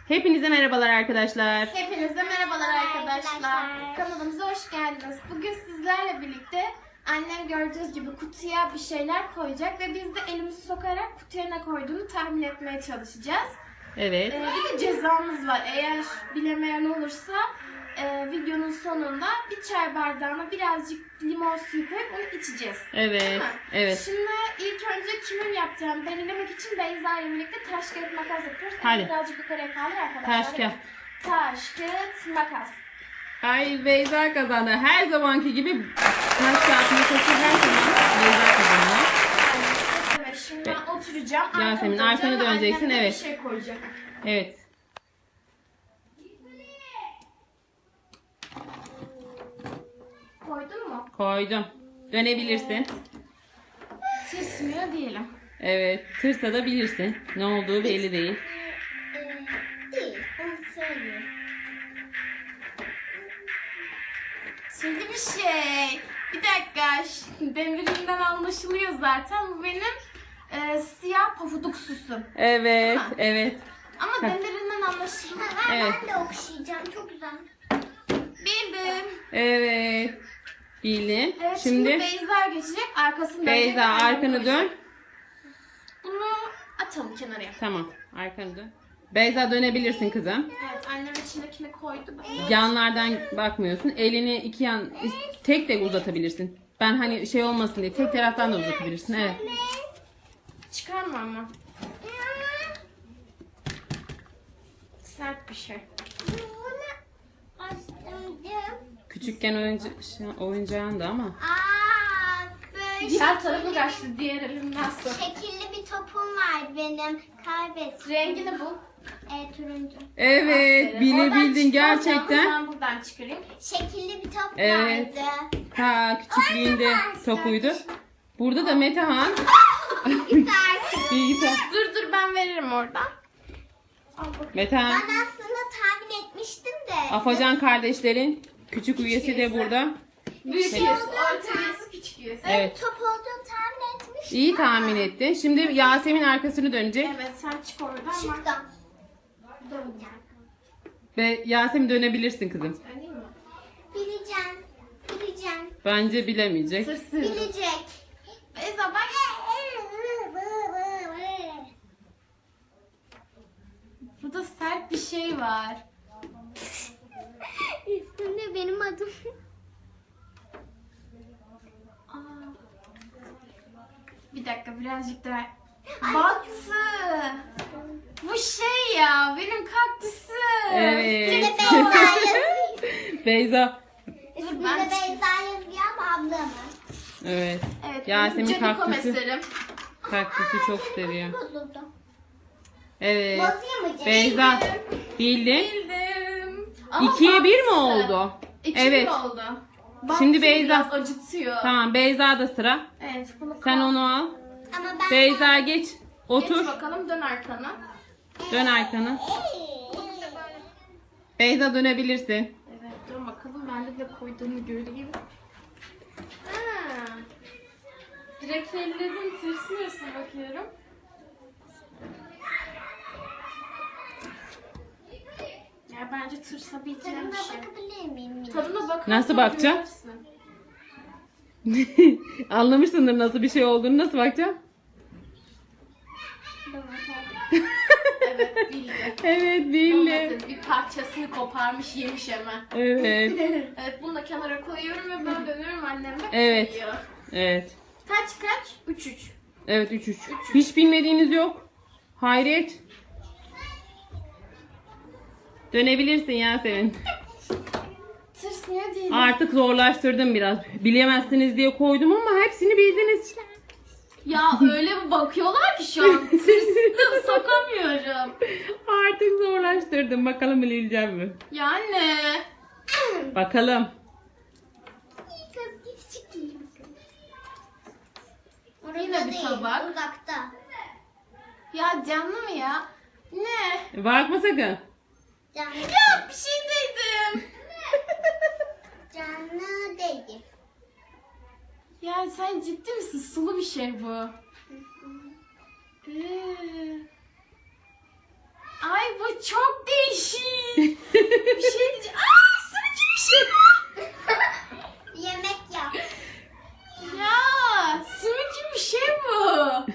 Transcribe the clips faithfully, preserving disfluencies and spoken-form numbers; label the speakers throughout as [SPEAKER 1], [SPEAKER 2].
[SPEAKER 1] Hepinize merhabalar arkadaşlar.
[SPEAKER 2] Hepinize merhabalar arkadaşlar.
[SPEAKER 3] Arkadaşlar.
[SPEAKER 2] Kanalımıza hoş geldiniz. Bugün sizlerle birlikte annem gördüğünüz gibi kutuya bir şeyler koyacak ve biz de elimizi sokarak kutuya ne koyduğunu tahmin etmeye çalışacağız.
[SPEAKER 1] Evet.
[SPEAKER 2] Ee, bir de cezamız var. Eğer bilemeyen olursa e, videonun sonunda bir çay bardağına birazcık limon suyu koyup onu içeceğiz.
[SPEAKER 1] Evet.
[SPEAKER 2] Değil mi?
[SPEAKER 1] Evet.
[SPEAKER 2] Şimdi ilk önce kimin yapacağını belirlemek için Beyza ile birlikte taş kağıt makas yapıyoruz.
[SPEAKER 1] Hadi.
[SPEAKER 2] Birazcık yukarıya kaldır arkadaşlar.
[SPEAKER 1] Taş kağıt.
[SPEAKER 2] Taş kağıt makas.
[SPEAKER 1] Ay Beyza kazandı. Her zamanki gibi taş kağıt makası her zaman Beyza kazanıyor.
[SPEAKER 2] Evet, şimdi ben oturacağım.
[SPEAKER 1] Yasemin,
[SPEAKER 2] Arkamda
[SPEAKER 1] arkanı
[SPEAKER 2] duracağım ve
[SPEAKER 1] döneceksin,
[SPEAKER 2] annem de
[SPEAKER 1] evet.
[SPEAKER 2] Bir şey koyacak.
[SPEAKER 1] Evet.
[SPEAKER 2] Koydun mu?
[SPEAKER 1] Koydum. Dönebilirsin.
[SPEAKER 2] Tırsmıyor diyelim.
[SPEAKER 1] Evet. Tırsa da bilirsin. Ne olduğu belli değil.
[SPEAKER 3] Ee, değil. Onu söyleyeyim.
[SPEAKER 2] Şimdi bir şey. Bir dakika. Ş- Demirinden anlaşılıyor zaten. Bu benim e, siyah pofuduk susum.
[SPEAKER 1] Evet.
[SPEAKER 2] Ha.
[SPEAKER 1] Evet.
[SPEAKER 2] Ama demirinden anlaşılıyor.
[SPEAKER 3] Ha,
[SPEAKER 1] Evet.
[SPEAKER 3] Ben de okşayacağım. Çok güzel.
[SPEAKER 2] Bildim.
[SPEAKER 1] Evet. Bildin.
[SPEAKER 2] Evet, şimdi,
[SPEAKER 1] Şimdi
[SPEAKER 2] Beyza geçecek. Arkasını dönecek.
[SPEAKER 1] Beyza
[SPEAKER 2] ve annem
[SPEAKER 1] arkanı
[SPEAKER 2] koyacak.
[SPEAKER 1] dön.
[SPEAKER 2] Bunu atalım kenara.
[SPEAKER 1] Tamam. Arkanı dön. Beyza dönebilirsin kızım.
[SPEAKER 2] Evet, annem içindekini koydu. Ben de-
[SPEAKER 1] Yanlardan bakmıyorsun. Elini iki yan tek de uzatabilirsin. Ben hani şey olmasın diye tek taraftan da uzatabilirsin. Evet.
[SPEAKER 2] Çıkarma ama. Sert bir şey.
[SPEAKER 3] Bunu açtım.
[SPEAKER 1] Küçükken oyunca, şey, oyuncağın da ama.
[SPEAKER 3] Aa, böyle
[SPEAKER 2] Diğer tarafı kaçtı, diğer elimden sok.
[SPEAKER 3] şekilli bir topum var benim. Kaybettim.
[SPEAKER 2] Rengini bul.
[SPEAKER 3] E, turuncu.
[SPEAKER 1] Evet,
[SPEAKER 2] Aferin.
[SPEAKER 1] bilebildin
[SPEAKER 2] Oradan çıkmaz yalnız,
[SPEAKER 1] gerçekten.
[SPEAKER 2] Ben buradan çıkarayım.
[SPEAKER 3] Şekilli bir top
[SPEAKER 1] Evet.
[SPEAKER 3] vardı.
[SPEAKER 1] Ta küçüklüğünde topuydu. Burada da Metehan
[SPEAKER 3] Güzel.
[SPEAKER 1] bilgisayar.
[SPEAKER 2] Dur dur ben veririm oradan. Al bakayım.
[SPEAKER 1] Metehan,
[SPEAKER 3] Ben aslında tahmin etmiştim de.
[SPEAKER 1] Afacan kardeşlerin küçük üyesi de burada.
[SPEAKER 2] Büyük
[SPEAKER 1] Evet.
[SPEAKER 2] üyesi, orta üyesi, küçük üyesi.
[SPEAKER 1] Evet.
[SPEAKER 3] Top olduğunu tahmin etmiştim.
[SPEAKER 1] İyi tahmin ettin. Şimdi Yasemin arkasını dönecek
[SPEAKER 2] Evet sen çık oradan ama.
[SPEAKER 3] Çıktım. Döneceğim.
[SPEAKER 1] ve Yasemin dönebilirsin kızım.
[SPEAKER 2] Öyle mi?
[SPEAKER 3] Bileceğim. Bileceğim.
[SPEAKER 1] Bence bilemeyecek.
[SPEAKER 2] Sırsın.
[SPEAKER 3] Bilecek.
[SPEAKER 2] Beyza bak. Burada sert bir şey var.
[SPEAKER 3] Üstünde benim adım.
[SPEAKER 2] Aa. Bir dakika birazcık daha. Battı. Bu şey ya benim kaktüsüm.
[SPEAKER 1] Evet.
[SPEAKER 3] Üstünde Beyza yazıyor.
[SPEAKER 1] Beyza.
[SPEAKER 3] Üstünde
[SPEAKER 2] ben
[SPEAKER 3] Beyza yazıyor ama ablamın.
[SPEAKER 1] Evet.
[SPEAKER 2] Evet,
[SPEAKER 1] Yasemin
[SPEAKER 2] benim Canico
[SPEAKER 1] kaktüsü,
[SPEAKER 2] meserim.
[SPEAKER 1] kaktüsü çok seviyor.
[SPEAKER 3] Bozuldu.
[SPEAKER 1] Evet.
[SPEAKER 3] Bozayım mı canım?
[SPEAKER 1] Beyza bildin.
[SPEAKER 2] Bildim. Ama
[SPEAKER 1] İkiye bir mi
[SPEAKER 2] battı.
[SPEAKER 1] oldu?
[SPEAKER 2] İki
[SPEAKER 1] Evet.
[SPEAKER 2] bir oldu.
[SPEAKER 1] Şimdi
[SPEAKER 2] Battı,
[SPEAKER 1] Beyza.
[SPEAKER 2] biraz acıtıyor.
[SPEAKER 1] Tamam, Beyza da sıra.
[SPEAKER 2] Evet bunu
[SPEAKER 1] Sen
[SPEAKER 2] kal-
[SPEAKER 1] onu al.
[SPEAKER 3] Ama ben...
[SPEAKER 1] Beyza geç.
[SPEAKER 2] Geç
[SPEAKER 1] Otur.
[SPEAKER 2] bakalım dön arkana.
[SPEAKER 1] Dön arkana.
[SPEAKER 3] Ee,
[SPEAKER 1] Beyza dönebilirsin.
[SPEAKER 2] Evet dön bakalım ben de ne koyduğunu göreyim. Ha. Direkt elledin tırsmıyorsun bakıyorum. Ya bence tırsabileceğim
[SPEAKER 3] Tadına
[SPEAKER 2] bir şey.
[SPEAKER 3] bakabilir miyim?
[SPEAKER 2] Tadına bakarsan
[SPEAKER 1] Nasıl bakacağım?
[SPEAKER 2] görürsün.
[SPEAKER 1] Anlamışsındır nasıl bir şey olduğunu. Nasıl bakacağım?
[SPEAKER 2] Evet bildi.
[SPEAKER 1] Evet, bildi.
[SPEAKER 2] Domates bir parçasını koparmış yemiş hemen.
[SPEAKER 1] Evet.
[SPEAKER 2] Evet bunu da kenara koyuyorum ve ben dönüyorum annem de
[SPEAKER 1] Evet.
[SPEAKER 2] koyuyor.
[SPEAKER 1] Evet.
[SPEAKER 2] Kaç kaç? üç üç.
[SPEAKER 1] Evet, üç üç. Hiç bilmediğiniz yok. Hayret. Dönebilirsin Yasemin.
[SPEAKER 2] Tırsmıyor değil.
[SPEAKER 1] Artık zorlaştırdım biraz. Bilemezsiniz diye koydum ama hepsini bildiniz.
[SPEAKER 2] Ya öyle bir bakıyorlar ki şu an tırstım sokamıyorum.
[SPEAKER 1] Artık zorlaştırdım. Bakalım bilebileceğim mi?
[SPEAKER 2] Ya anne.
[SPEAKER 1] Bakalım.
[SPEAKER 3] İyi kız küçük değil.
[SPEAKER 2] Yine
[SPEAKER 3] Orada
[SPEAKER 2] bir
[SPEAKER 3] değil,
[SPEAKER 2] tabak.
[SPEAKER 3] Uzakta.
[SPEAKER 2] Ya canlı mı ya? Ne?
[SPEAKER 1] Bakma sakın.
[SPEAKER 3] Canlı,
[SPEAKER 2] Ya bir şey dedim.
[SPEAKER 3] canlı değil.
[SPEAKER 2] Ya sen ciddi misin? Sulu bir şey bu. Ee. Ay bu çok değil. Bir şey diyeceğim. Aa, sümükü bir şey bu.
[SPEAKER 3] Yemek yap.
[SPEAKER 2] Ya sümükü bir şey bu.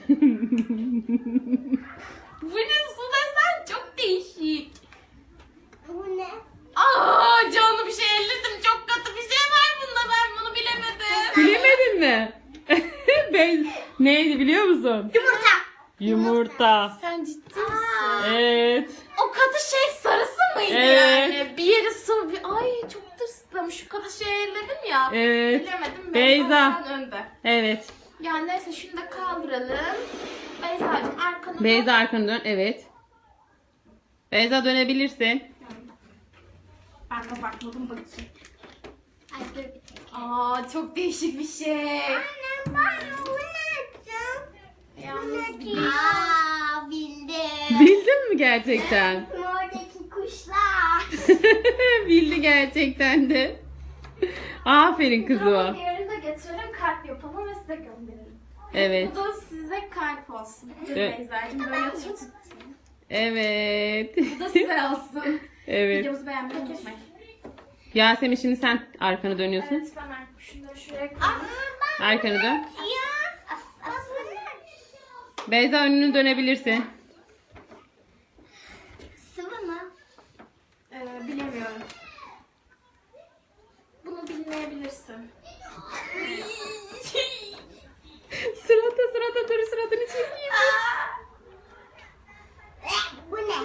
[SPEAKER 2] Bu ne su desen çok değişik.
[SPEAKER 3] Bu ne?
[SPEAKER 2] Aa, canlı bir şey elledim. Çok kötü bir şey var bunda. Ben bunu bilemedim.
[SPEAKER 1] Bilemedin mi? Ben neydi biliyor musun?
[SPEAKER 3] Yumurta.
[SPEAKER 1] Yumurta.
[SPEAKER 2] Sen ciddi misin?
[SPEAKER 1] Evet.
[SPEAKER 2] O katı şey sarısı mıydı
[SPEAKER 1] Evet.
[SPEAKER 2] yani? Bir yeri sıvı bir... Ay çok tırstım. Şu katı şey elledim ya.
[SPEAKER 1] Evet.
[SPEAKER 2] Bilemedim.
[SPEAKER 1] Beyza.
[SPEAKER 2] Beyza önde.
[SPEAKER 1] Evet.
[SPEAKER 2] Ya neyse şunu da kaldıralım. Beyza'cığım arkanı dön.
[SPEAKER 1] Beyza arkanı dön. Evet. Beyza dönebilirsin.
[SPEAKER 2] Ben de bakmadım bakayım.
[SPEAKER 3] Ay dur bir tek.
[SPEAKER 2] Aa, çok değişik bir şey.
[SPEAKER 3] Annem bana bu ne yaptın?
[SPEAKER 2] Yalnız bir...
[SPEAKER 3] Aa bildim.
[SPEAKER 1] Bildin mi gerçekten?
[SPEAKER 3] Oradaki kuşlar.
[SPEAKER 1] Bildi gerçekten de. Aferin
[SPEAKER 2] Tamam,
[SPEAKER 1] kızıma.
[SPEAKER 2] yarın da getirelim, kalp yapalım ve size gönderelim.
[SPEAKER 1] Evet.
[SPEAKER 2] Bu da size kalp olsun. Dur
[SPEAKER 1] Evet.
[SPEAKER 2] Beyza'cığım böyle tut.
[SPEAKER 1] Evet.
[SPEAKER 2] Bu da size olsun.
[SPEAKER 1] Evet.
[SPEAKER 2] Videomuzu beğenmeyi unutmayın.
[SPEAKER 1] Yasemin şimdi sen arkanı dönüyorsun.
[SPEAKER 2] Evet, ben şunları şuraya koyayım.
[SPEAKER 1] Arkanı dön.
[SPEAKER 3] Ya. Aslında
[SPEAKER 1] Beyza önünü dönebilirsin.
[SPEAKER 3] sıvı mı?
[SPEAKER 2] Ee, bilemiyorum. Bunu bilmeyebilirsin.
[SPEAKER 1] Sırada sırada dur sıradını çekeyim.
[SPEAKER 3] Bu ne?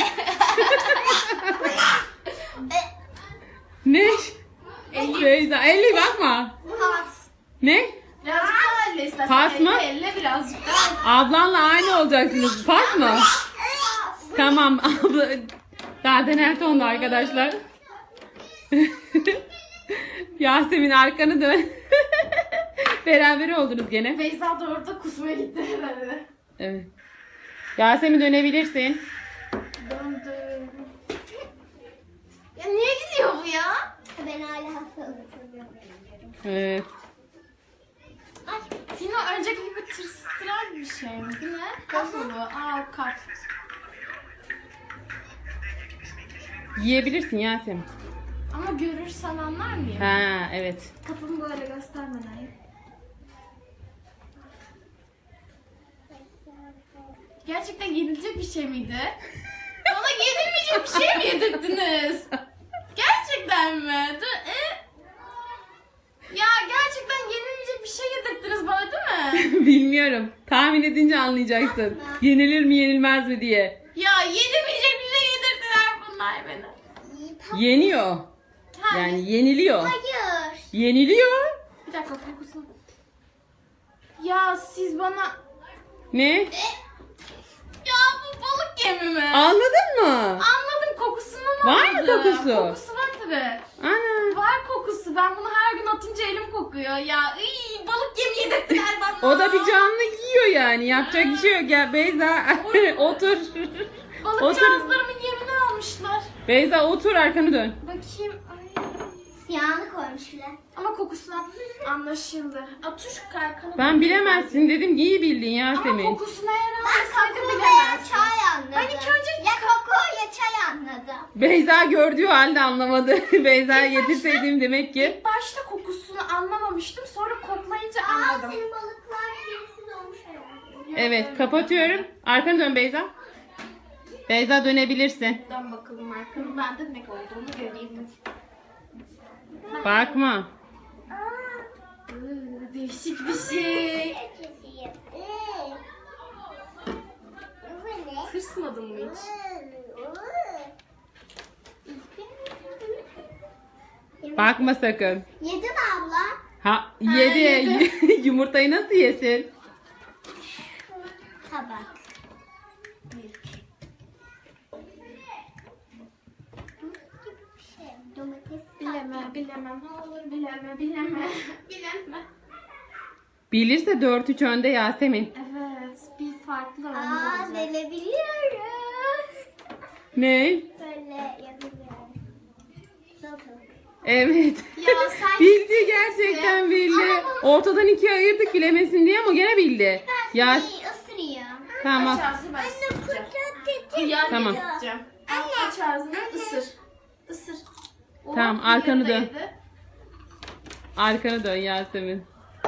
[SPEAKER 1] Ne? Beyza elle bakma.
[SPEAKER 3] Pas.
[SPEAKER 1] Ne?
[SPEAKER 2] Birazcık daha elle istersen.
[SPEAKER 1] Pas mı?
[SPEAKER 2] Elle, elle birazcık daha.
[SPEAKER 1] Ablanla aynı olacaksınız. Pas mı? Tamam abla. Daha dener tonda arkadaşlar. Yasemin arkanı dön. Beraber oldunuz gene.
[SPEAKER 2] Beyza da orada kusmaya gitti herhalde.
[SPEAKER 1] Evet. Yasemin dönebilirsin.
[SPEAKER 2] Döndüm. Ya niye gidiyor bu ya?
[SPEAKER 3] Ben hala hastalığı
[SPEAKER 1] Evet.
[SPEAKER 3] Ay.
[SPEAKER 2] Yine önceki gibi tırstıran bir şey mi? Bu ne? Kaf mı bu? Aa, kaf.
[SPEAKER 1] Yiyebilirsin Yasemin.
[SPEAKER 2] Ama görürsen anlar mıyım?
[SPEAKER 1] Ha evet.
[SPEAKER 2] Kafamı böyle göstermeden. Gerçekten yenilecek bir şey miydi? Bana yenilmeyecek bir şey mi yedirdiniz? Gerçekten mi? Dur, e? Ya gerçekten yenilmeyecek bir şey yedirdiniz bana değil mi?
[SPEAKER 1] Bilmiyorum. Tahmin edince anlayacaksın. Yenilir mi yenilmez mi diye.
[SPEAKER 2] Ya yenilmeyecek bir şey yedirdiler bunlar bana.
[SPEAKER 1] Yeniyor.
[SPEAKER 2] Ha,
[SPEAKER 1] Yani yeniliyor.
[SPEAKER 3] Hayır.
[SPEAKER 1] Yeniliyor.
[SPEAKER 2] Bir dakika kokusunu. Ya siz bana...
[SPEAKER 1] Ne?
[SPEAKER 2] Ya bu balık yemi mi?
[SPEAKER 1] Anladın mı?
[SPEAKER 2] Anladım, kokusunu mu
[SPEAKER 1] Var mı
[SPEAKER 2] anladım?
[SPEAKER 1] kokusu?
[SPEAKER 2] Kokusu var tabii.
[SPEAKER 1] Ana.
[SPEAKER 2] Var kokusu. Ben bunu her gün atınca elim kokuyor. Ya iy, balık yemi yedirttiler bana.
[SPEAKER 1] O da bir canlı yiyor yani. Yapacak bir şey yok. Gel Beyza otur.
[SPEAKER 2] Balıkçağızlarımın yemini almışlar.
[SPEAKER 1] Beyza otur arkanı dön.
[SPEAKER 2] Bakayım. Ay.
[SPEAKER 3] Siyahını koymuşlar.
[SPEAKER 2] Ama kokusundan anlaşıldı. Otur kalkanı.
[SPEAKER 1] Ben bilemezsin dedim. İyi bildin
[SPEAKER 2] Ama
[SPEAKER 1] Yasemin.
[SPEAKER 2] kokusuna eğer
[SPEAKER 3] Ben
[SPEAKER 2] almasaydı
[SPEAKER 3] koku veya
[SPEAKER 2] bilemezsin.
[SPEAKER 3] çay anladım.
[SPEAKER 2] Ben ilk önce
[SPEAKER 3] ya koku ya çay anladım.
[SPEAKER 1] Beyza gördüğü halde anlamadı. Beyza yetirseydim demek ki.
[SPEAKER 2] İlk başta kokusunu anlamamıştım. Sonra koklayınca
[SPEAKER 3] Aa
[SPEAKER 2] anladım.
[SPEAKER 3] senin balıklar birisi dolmuş herhalde.
[SPEAKER 1] Evet kapatıyorum. Arkanı dön Beyza. Beyza dönebilirsin.
[SPEAKER 2] Dön bakalım arkanı. Ben de ne olduğunu göreyim.
[SPEAKER 1] Bakma.
[SPEAKER 2] Iı, değişik bir şey.
[SPEAKER 3] Keseyim. Iı. Bu ne?
[SPEAKER 2] Tırsmadın mı hiç?
[SPEAKER 1] Bakma sakın.
[SPEAKER 3] Yedi mi abla?
[SPEAKER 1] Ha
[SPEAKER 2] Ha,
[SPEAKER 1] yedi.
[SPEAKER 2] yedi.
[SPEAKER 1] Yumurtayı nasıl yesin?
[SPEAKER 3] Tabak. Şey, domates.
[SPEAKER 2] Bileme, bilemem. Ne olur bileme, bileme. Bileme.
[SPEAKER 1] Bilirse dört üç önde Yasemin.
[SPEAKER 2] Evet, bir farklı önde
[SPEAKER 3] Aa
[SPEAKER 2] olacak.
[SPEAKER 3] verebiliyoruz.
[SPEAKER 1] Ne?
[SPEAKER 3] Böyle yapabiliyorum. Salatalık.
[SPEAKER 1] Evet.
[SPEAKER 2] Ya sen
[SPEAKER 1] Bildi gerçekten bildi.
[SPEAKER 2] Ama-
[SPEAKER 1] Ortadan ikiye ayırdık bilemesin diye ama gene bildi. Ya
[SPEAKER 3] Ben ısırayım.
[SPEAKER 1] tamam.
[SPEAKER 2] aç ağzını ben ısıracağım.
[SPEAKER 3] Kutu
[SPEAKER 2] Kıyar
[SPEAKER 1] Tamam.
[SPEAKER 2] yapacağım. Al, aç ağzını ısır. Isır. Oh,
[SPEAKER 1] Tamam,
[SPEAKER 2] bir
[SPEAKER 1] arkanı
[SPEAKER 2] yarı da
[SPEAKER 1] dön.
[SPEAKER 2] yedi.
[SPEAKER 1] Arkanı dön Yasemin.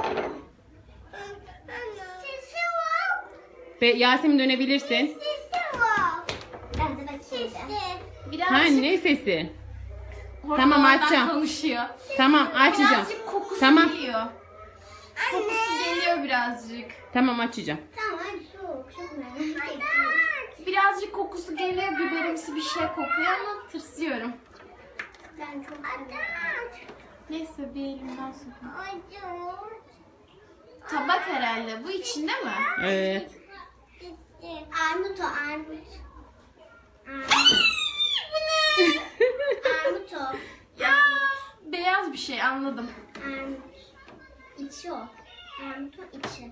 [SPEAKER 3] Sesi var.
[SPEAKER 1] Ve Yasemin dönebilirsin.
[SPEAKER 3] Sesi var. Ben de bakayım. Sesi.
[SPEAKER 2] Birazcık
[SPEAKER 1] Ha, ne sesi?
[SPEAKER 2] hormonlardan
[SPEAKER 1] Tamam, açacağım.
[SPEAKER 2] konuşuyor.
[SPEAKER 1] Tamam, açacağım.
[SPEAKER 2] Birazcık kokusu
[SPEAKER 1] Tamam.
[SPEAKER 2] geliyor. Kokusu geliyor birazcık.
[SPEAKER 1] Tamam, açacağım.
[SPEAKER 3] Tamam soğuk. Çok merak ettim.
[SPEAKER 2] Birazcık kokusu geliyor. Biberimsi bir şey kokuyor ama tırsıyorum.
[SPEAKER 3] Ben çok
[SPEAKER 2] Neyse bir elimden sokayım.
[SPEAKER 3] acıyor.
[SPEAKER 2] Tabak herhalde. Bu içinde mi?
[SPEAKER 1] Evet.
[SPEAKER 3] Armut o armut.
[SPEAKER 2] Bu ne?
[SPEAKER 3] Armut o.
[SPEAKER 2] Ya beyaz bir şey anladım.
[SPEAKER 3] Armut. İçi o. Armutun içi.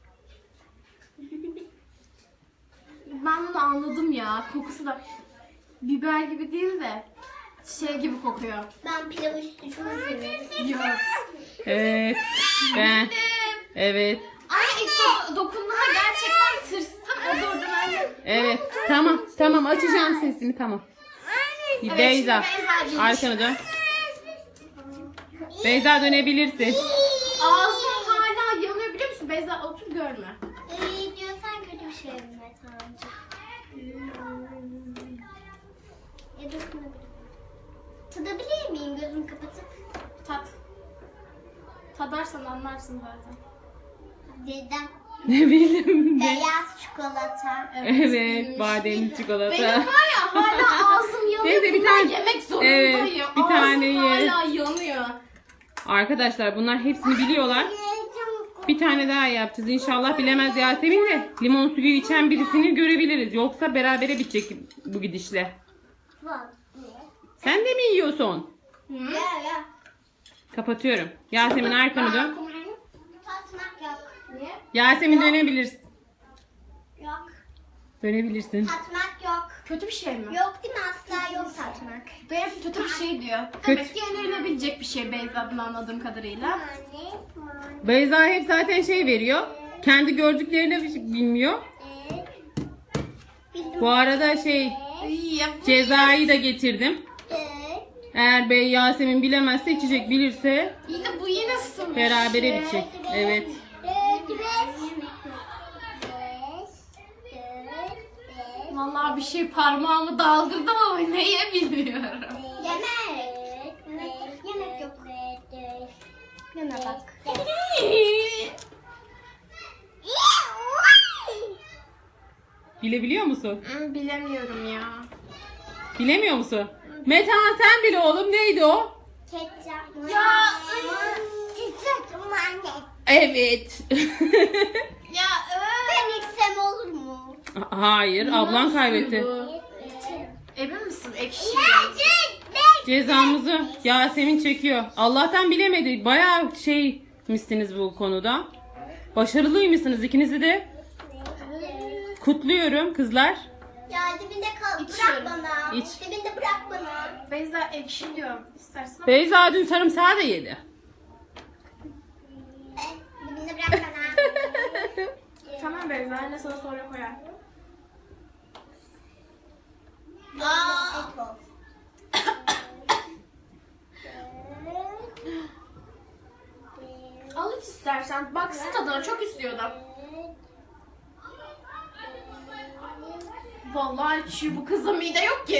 [SPEAKER 2] Ben bunu anladım ya. Kokusu da biber gibi değil de şey gibi kokuyor.
[SPEAKER 3] Ben pilav üstü çok seviyorum.
[SPEAKER 2] Yok.
[SPEAKER 1] Evet. Ben. Evet.
[SPEAKER 2] Ay ilk do- dokunduğumda gerçekten tırstım. O durdu ben de.
[SPEAKER 1] Evet. Tamam. Tamam, açacağım sesini. Tamam.
[SPEAKER 2] Evet,
[SPEAKER 1] Beyza.
[SPEAKER 2] şimdi Beyzacığım.
[SPEAKER 1] Arkanı dön. Beyza, dönebilirsin.
[SPEAKER 2] Ağzım hala yanıyor biliyor musun? Beyza otur görme.
[SPEAKER 3] İyi diyorsan kötü bir şey mi Tanrıcığım? Ya dokunabilirim. Tadabilir miyim gözümü kapatıp?
[SPEAKER 2] Tat. Tadarsan anlarsın zaten.
[SPEAKER 3] Dedim.
[SPEAKER 1] Ne bileyim.
[SPEAKER 3] Beyaz çikolata.
[SPEAKER 1] Evet. Bademli çikolata.
[SPEAKER 2] Benim var ya hala ağzım yanıyor.
[SPEAKER 1] Neyse, bir
[SPEAKER 2] Bundan
[SPEAKER 1] tane-
[SPEAKER 2] yemek zorundayım.
[SPEAKER 1] Evet, bir
[SPEAKER 2] ağzım
[SPEAKER 1] tane ye.
[SPEAKER 2] hala yanıyor.
[SPEAKER 1] Arkadaşlar, bunlar hepsini biliyorlar. Bir tane daha yapacağız. İnşallah bilemez Yasemin de limon suyu içen birisini görebiliriz. Yoksa berabere bitecek bu gidişle. Sen de mi yiyorsun?
[SPEAKER 2] Hı?
[SPEAKER 3] Ya ya.
[SPEAKER 1] Kapatıyorum. Yasemin, arkanı dön.
[SPEAKER 3] Tatmak yok. Niye?
[SPEAKER 1] Yasemin, dönebilirsin.
[SPEAKER 3] Yok.
[SPEAKER 1] Dönebilirsin.
[SPEAKER 3] Tatmak yok.
[SPEAKER 2] Kötü bir şey mi?
[SPEAKER 3] Yok değil mi? Asla yok tatmak.
[SPEAKER 2] Beyaz kötü bir şey diyor.
[SPEAKER 1] Kötü.
[SPEAKER 2] Demek ki önerilebilecek bir şey Beyza'dan anladığım kadarıyla.
[SPEAKER 3] Anne, anne.
[SPEAKER 1] Beyza hep zaten şey veriyor. Kendi gördüklerini bilmiyor.
[SPEAKER 3] Evet. Bildim.
[SPEAKER 1] Bu arada şey
[SPEAKER 2] Ay, ya bu
[SPEAKER 1] cezayı da getirdim.
[SPEAKER 3] Evet.
[SPEAKER 1] Eğer Bey Yasemin bilemezse, içecek, bilirse
[SPEAKER 2] yine bu yine sıvı.
[SPEAKER 1] berabere bitecek. Evet.
[SPEAKER 3] Dört, beş. Beş, dört, beş.
[SPEAKER 2] Vallahi bir şey parmağımı daldırdım ama neye bilmiyorum.
[SPEAKER 3] Yemek. Yemek, yemek yok. Yeme bak.
[SPEAKER 1] Bilebiliyor musun?
[SPEAKER 2] Hmm, Bilemiyorum ya.
[SPEAKER 1] Bilemiyor musun? Metehan, sen bile oğlum, neydi o?
[SPEAKER 3] Ketçap.
[SPEAKER 2] Ya,
[SPEAKER 3] Ketçap anne.
[SPEAKER 1] Evet.
[SPEAKER 2] Ya evet.
[SPEAKER 3] Ben içsem olur mu?
[SPEAKER 1] Hayır, ablan kaybetti.
[SPEAKER 2] Emin misin? Ekşi.
[SPEAKER 1] Cezamızı Yasemin çekiyor. Allah'tan bilemedi. Bayağı şey misiniz bu konuda. Başarılıymışsınız ikinizi de. Kutluyorum kızlar.
[SPEAKER 3] Ya dibinde kal.
[SPEAKER 2] İçiyorum.
[SPEAKER 3] Bırak bana.
[SPEAKER 1] İç.
[SPEAKER 3] Dibinde bırak bana.
[SPEAKER 2] Beyza ekşi diyor. İstersen ama.
[SPEAKER 1] Beyza dün sarımsağı da yedi.
[SPEAKER 3] Eh, dibinde bırak bana.
[SPEAKER 2] Tamam Beyza anne sana sonra koyar.
[SPEAKER 3] Aa. Et ol.
[SPEAKER 2] Al iç istersen. Baksın tadına çok istiyordum. Vallahi içiyor bu kızın mide yok ki.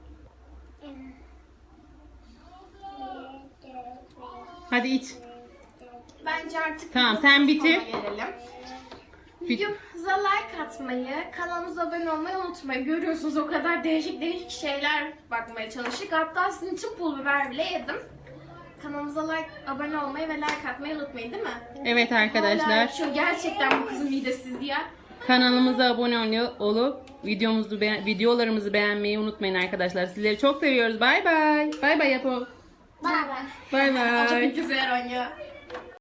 [SPEAKER 1] Hadi iç.
[SPEAKER 2] Bence artık
[SPEAKER 1] Tamam, sen bitir.
[SPEAKER 2] sona gelelim.
[SPEAKER 1] Bit-
[SPEAKER 2] Videomuza like atmayı, kanalımıza abone olmayı unutmayın. Görüyorsunuz o kadar değişik değişik şeyler bakmaya çalıştık. Hatta sizin için pul biber bile yedim. Kanalımıza like, abone olmayı ve like atmayı unutmayın değil mi?
[SPEAKER 1] Evet
[SPEAKER 2] Hala
[SPEAKER 1] arkadaşlar,
[SPEAKER 2] içiyor. Gerçekten bu kızın midesiz ya.
[SPEAKER 1] kanalımıza abone ol- olup videomuzu beğen- videolarımızı beğenmeyi unutmayın arkadaşlar. Sizleri çok seviyoruz. Bay bay. Bay bay yapalım.
[SPEAKER 3] Bay bay.
[SPEAKER 1] Bay
[SPEAKER 2] Acaba
[SPEAKER 1] bay.
[SPEAKER 2] güzel oynuyor.